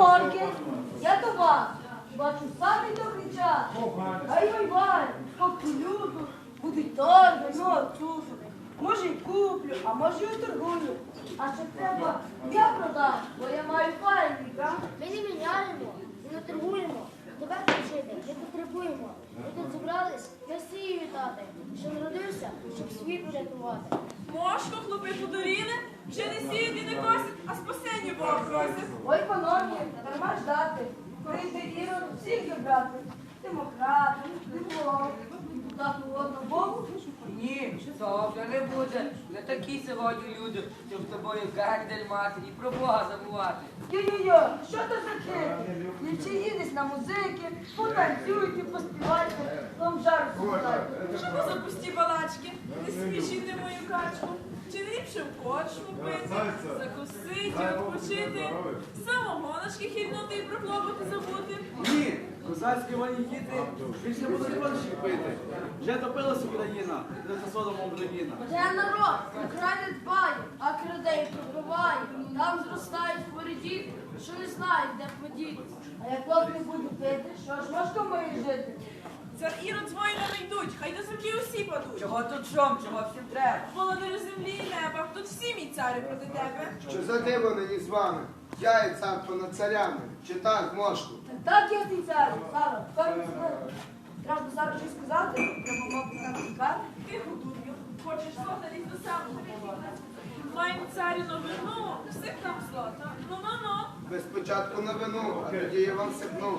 панорки, я до вас. Бачу самий добрий час. Ай-вай-вай, скільки люду, будуть торги, ну, чушу. Може й куплю, а може й торгую. А ще треба, я продам, бо я маю файний, правда? Ми не міняємо і не торгуємо. Тебе жити не потребуємо. Ми тут зібрались Месію вітати, що народився, щоб світ врятувати. Мошко, хлопи подоріли, вже не сіють і не косять, а спасення Бога просять. Ой, пановні, дарма ждати. Прийде Ірод всіх забрати. Демократи, диплом, депутату одного Богу. Ні, того вже не буде. Не такі сьогодні люди, щоб з тобою гардель мати і про Бога забувати. Йо-йо-йо, що то за хити? Ключі десь на музики, потанцюйте, поспівайте, вам жару співайте. Що то за пусті балачки? Не смішіть мою качку. Чи не ліпше в корчму пити, закусити, відпочити, самогоночки хильнути і про клопоти забути? Ні, козацькі вольні діти більше будуть кончі пити. Вже топилася Україна, не за содомом Україна. Де народ, край не дбає, а крадей пробиває. Там зростають хворі діти, що не знають, де подітися. А як лоб не буде пити, що ж важко має жити? Цар Ірод з воїнами йдуть, хай до землі усі падуть. Чого тут шум, чого всім треба? Володарю землі і неба, тут всі мій царю проти тебе. Що за диво нині з вами? Я і цар понад царями, чи так, мошку? Так я ти царю, Сара, тепер не знаю. Треба зараз щось сказати, треба мати нам цікаві. Тихо, дурню, хочеш злота, лізь до самого. Маємо царю новину, всіх нам злота. Ну-ну-ну. Ви спочатку на вину, а тоді я вам сипну.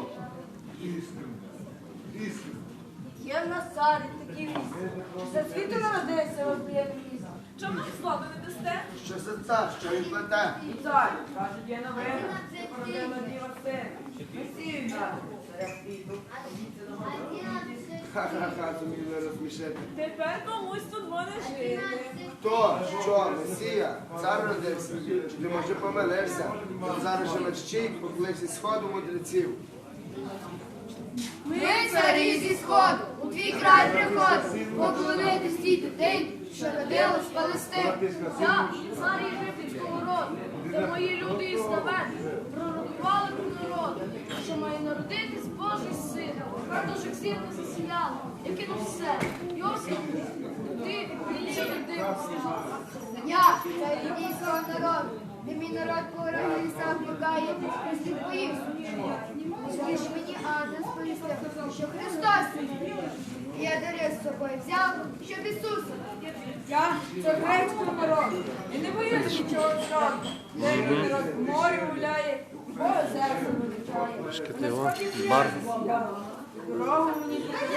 Є в нас царі такі вісі. Все світу народився, ось є місце. Чому нам злота не дасте? Що за цар, що він плете? І цар, кажуть, є новина, породила діва син. Месію вітати, царя світу. Ха-ха-ха, зуміли розсмішити. Тепер комусь тут буде жити. Хто? Що? Месія? Цар родився? Чи ти, може, помилився? Та зараз же мерщій покличе сходу мудреців. Ми, царі зі сходу, у твій край приходимо, поклонитись тій дитині, що родилась в Палестині. Я, цар єгипетського роду, де мої люди і славени, пророкували про народу, що має народитись Божий син. Тож як зірка засіяла, я кинув все. Йосип, ти більше не дивишся. Я, цар індійського народу, де мій народ по горах і лісах блукає, прислід боївся. Скажи мені, ангел сповістив, що Христос мій. І я дари з собою взяв, щоб Ісуса. Я це грецького народу. І не боюсь нічого зроду. Де мій народ в морі гуляє, Бога серце вивчає. На сході Дорогу мені